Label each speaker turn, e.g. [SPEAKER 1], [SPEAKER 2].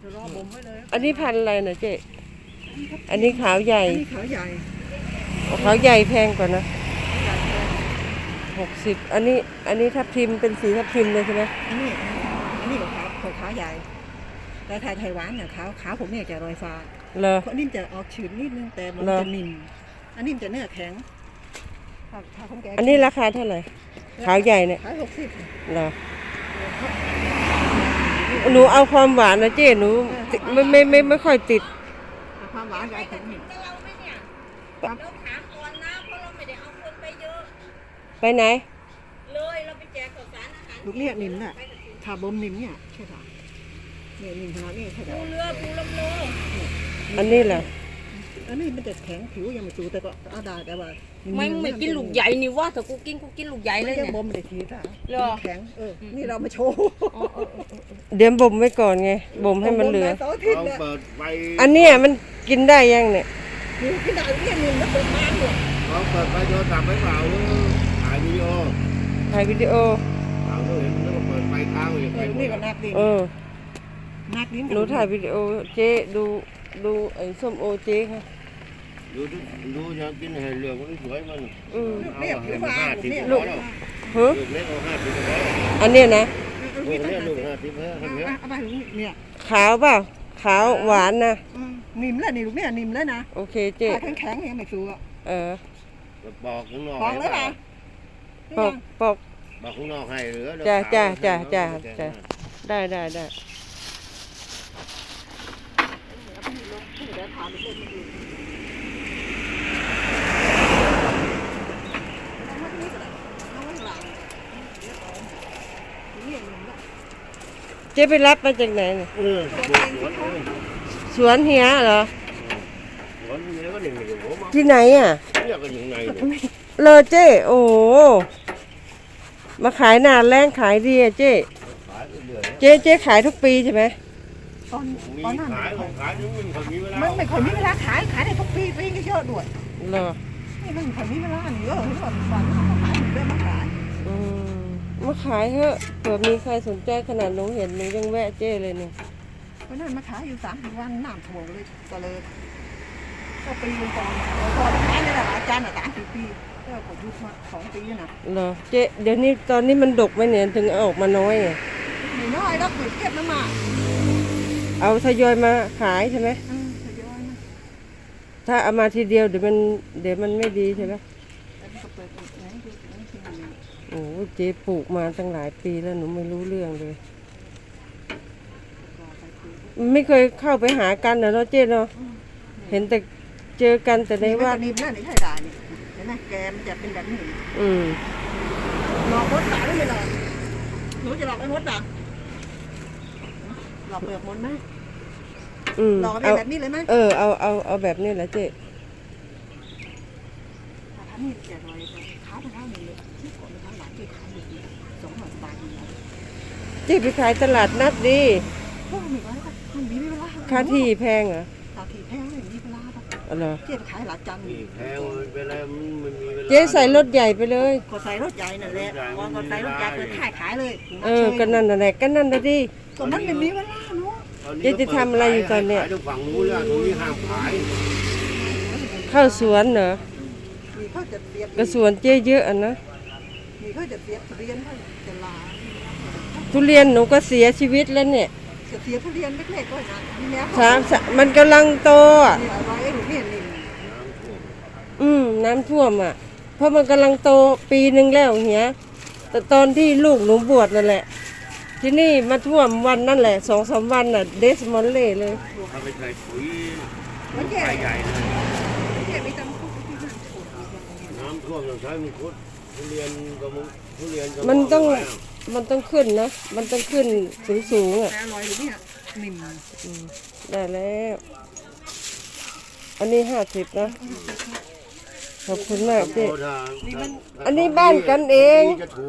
[SPEAKER 1] จะรอบ่มไว้เลย
[SPEAKER 2] อันนี้พันธุ์อะไรนะเจ๊อันนี้ขาวใหญ่
[SPEAKER 1] อันนี้ขาวใหญ่
[SPEAKER 2] ขาวใหญ่แพงกว่านะ60อันนี้ทับทิมเป็นสีทับทิมเลยใช่ไหม
[SPEAKER 1] อันนี้ขาวใหญ่แต่ไทยหวานเนี่ยขาวผมเนี่ยจะรอยฟ้า
[SPEAKER 2] เหรอ
[SPEAKER 1] เพราะนิ่มจะออกชื้นนิดนึงแต่มันจะนิ่มอันนี้มันจะเนื้อแข็ง
[SPEAKER 2] อันนี้ราคาเท่าไหร่ขาวใหญ่เนี่ย
[SPEAKER 1] ขาย60
[SPEAKER 2] เหรอหนูเอาความหวานนะเจ๊หนูไม่ค่อยติด
[SPEAKER 1] ความหวานใหญ่ถึง
[SPEAKER 3] เราไม่เนี่ยเราถามก่อนนะเพราะเราไม่ได้เอาคนไปเยอะ
[SPEAKER 2] ไปไหน
[SPEAKER 3] เลยเราไปแจกข้าวสารอาหาร
[SPEAKER 1] ลูกเนี่ยนิ่มน่ะถ้าบ่มนิ่มเนี่ยใช่ป่ะเนี่ยนิ่มขนาดนี้ใช่ป่ะ
[SPEAKER 3] ปูเรือปูลำโล
[SPEAKER 2] อันนี้แหละ
[SPEAKER 1] อันนี้มันจะแข็งผิวยังไม่สูแต่ก็ได้แต่ว่า
[SPEAKER 3] ไม่กินลูกใหญ่นี่ว่าแต่กูกินลูกใหญ่เลยเนี่ย
[SPEAKER 1] บ่มไม่ได้ทีท่ะแข็งนี่เรามาโชว์
[SPEAKER 2] เดี๋ยวบ่มไว้ก่อนไงบ่มให้มันเหลืออันนี้มันกินได้ยังเนี่ย
[SPEAKER 1] กินได้เนี่ยนิ่มแล้วเปิดมาอยู่
[SPEAKER 4] เขาเปิดไฟโทรศัพท์ไว้เปล่าหรือถ่ายวิดีโอเห็นแล้วก็เปิดไฟค้างไว้
[SPEAKER 1] นี่ก็นักดินักดิ
[SPEAKER 2] หนูถ่ายวิดีโอเจ๊ดูไอ้ส้มโอเจ๊ค่ะ
[SPEAKER 4] ดูจะกินให้เหลืองมันสวยมัน
[SPEAKER 1] เนี่ยผิวบางเนี่ย
[SPEAKER 2] ลูก
[SPEAKER 4] เล็กเอา50
[SPEAKER 2] อันนี้นะ
[SPEAKER 4] ลูกเล็กลูก50
[SPEAKER 1] เอาไปเนี่ย
[SPEAKER 2] ขาวเปล่าขาวหวานนะ
[SPEAKER 1] นิ่มแล้วนี่ลูกเนี่ยนิ่มแล้วนะ
[SPEAKER 2] โอเคเจ๊
[SPEAKER 1] แข็งยังไม่สูอ่ะ
[SPEAKER 4] ปอกข้างนอก
[SPEAKER 1] ปอกเลยป่ะ
[SPEAKER 2] ปอก
[SPEAKER 4] ข้างนอกให้เหลือ
[SPEAKER 2] จ้าได้เจ๊ไปรับมาจากไหนเนี่ยสวนเฮียเหรอที่ไหนอ่ะเลอเจ๊โอ้มาขายนานแรงขายดีอ่ะเจ๊ขายทุกปีใช่ไหม
[SPEAKER 1] ตอนนั้น
[SPEAKER 4] ขาย
[SPEAKER 1] มันไม่ค่อยมีเวลาขายได้ทุกปีก็เยอะด้วย
[SPEAKER 2] เหรอ
[SPEAKER 1] นี่มันไม่ค่อยมีเวลาเยอะที่ว่าวันเขาขายเรื่อยมาขาย
[SPEAKER 2] มาขายเถอะเผื่อมีใครสนใจขนาดหนูเห็นหนูยังแวะเจ้เลยเนี่ย
[SPEAKER 1] เพราะนั้นมาขายอยู่30 วันน้ำท่วมเลยก็เลยก็ปีนึงก่อนขายนี่แหละอาจารย์30 ปีก็กดยุบมา2 ปีนะ
[SPEAKER 2] เหรอเจ๊เดี๋ยวนี้ตอนนี้มันดกไหมเนี่ยถึงเอาออกมาน้อยอ่ะ
[SPEAKER 1] ไม่น้อยแล้วเก็บมา
[SPEAKER 2] เอาทยอยมาขายใช่ไหม
[SPEAKER 1] ทยอยมา
[SPEAKER 2] ถ้าเอามาทีเดียวเดี๋ยวมันไม่ดีใช่ไหมโอ้เจ๊ปลูกมาตั้งหลายปีแล้วหนูไม่รู้เรื่องเลยไม่เคยเข้าไปหากันนะเนาะเจ๊เนาะเห็นแต่เจอกันแต่ในวัด
[SPEAKER 1] นี่นั่นนี่ใช่ได้นี่เห็นไหมแกมันจะเป็นแบบนี้หลอกมดตาได้ไหมล่ะหนูจะหลอกไอ้มดตาหลอกเปลือกมดไหมหลอกแบบนี้เลยไหม
[SPEAKER 2] เอาแบบนี้แหละเจ๊
[SPEAKER 1] อันนี้จะลอยขาไปเท่านี้เลย
[SPEAKER 2] เจ๊ไปขายตลาดนัดดิค่าที่แพงเหรอ
[SPEAKER 1] ค่าที่แพงเลยมีเวลาป่ะ
[SPEAKER 2] เหรอ
[SPEAKER 1] เจ๊ไปขายหลักจันทร์
[SPEAKER 4] แพงเวลามันมีเวลา
[SPEAKER 2] เจ๊ใส่รถใหญ่ไปเลย
[SPEAKER 1] ก็ใส่รถใหญ่นั่นแหละก็ใส่รถใหญ่เปิดขายเลย
[SPEAKER 2] ก็นั่นแหละก็นั่นนะดิ
[SPEAKER 1] ก็มันไม่มีเวลาเนาะ
[SPEAKER 2] เจ๊จะทำอะไรอยู่ตอนเนี้ย
[SPEAKER 4] ฝั่งนู้นแล้วตรงนี้ห้ามขาย
[SPEAKER 2] เข้าสวนเหรอก็สวนเจ๊เยอะอ่ะนะ
[SPEAKER 1] นี่เขาจะเสียทุเรียนเขาจะลา
[SPEAKER 2] ทุเรียนหนูก็เสียชีวิตแล้วเนี่ย
[SPEAKER 1] เสียทุเรียนเล็กๆก็นะ
[SPEAKER 2] มันกำลังโตอ่ะน้ำท่วมอ่ะเพราะมันกำลังโตปีนึงแล้วเฮียแต่ตอนที่ลูกหนูบวชนั่นแหละที่นี่มาท่วมวันนั่นแหละ2-3 วันน่ะเดสมอนเล่เลย
[SPEAKER 4] เอาไปใส่ปุ๋ยใหญ่เลยน้ำท่วมต้องใช้มังคุดทุเรียน
[SPEAKER 2] มันต้องขึ้นนะมันต้องขึ้นสูงอ่ะได้แล้วอันนี้50นะขอบคุณมากเจ๊อันนี้บ้านกันเอง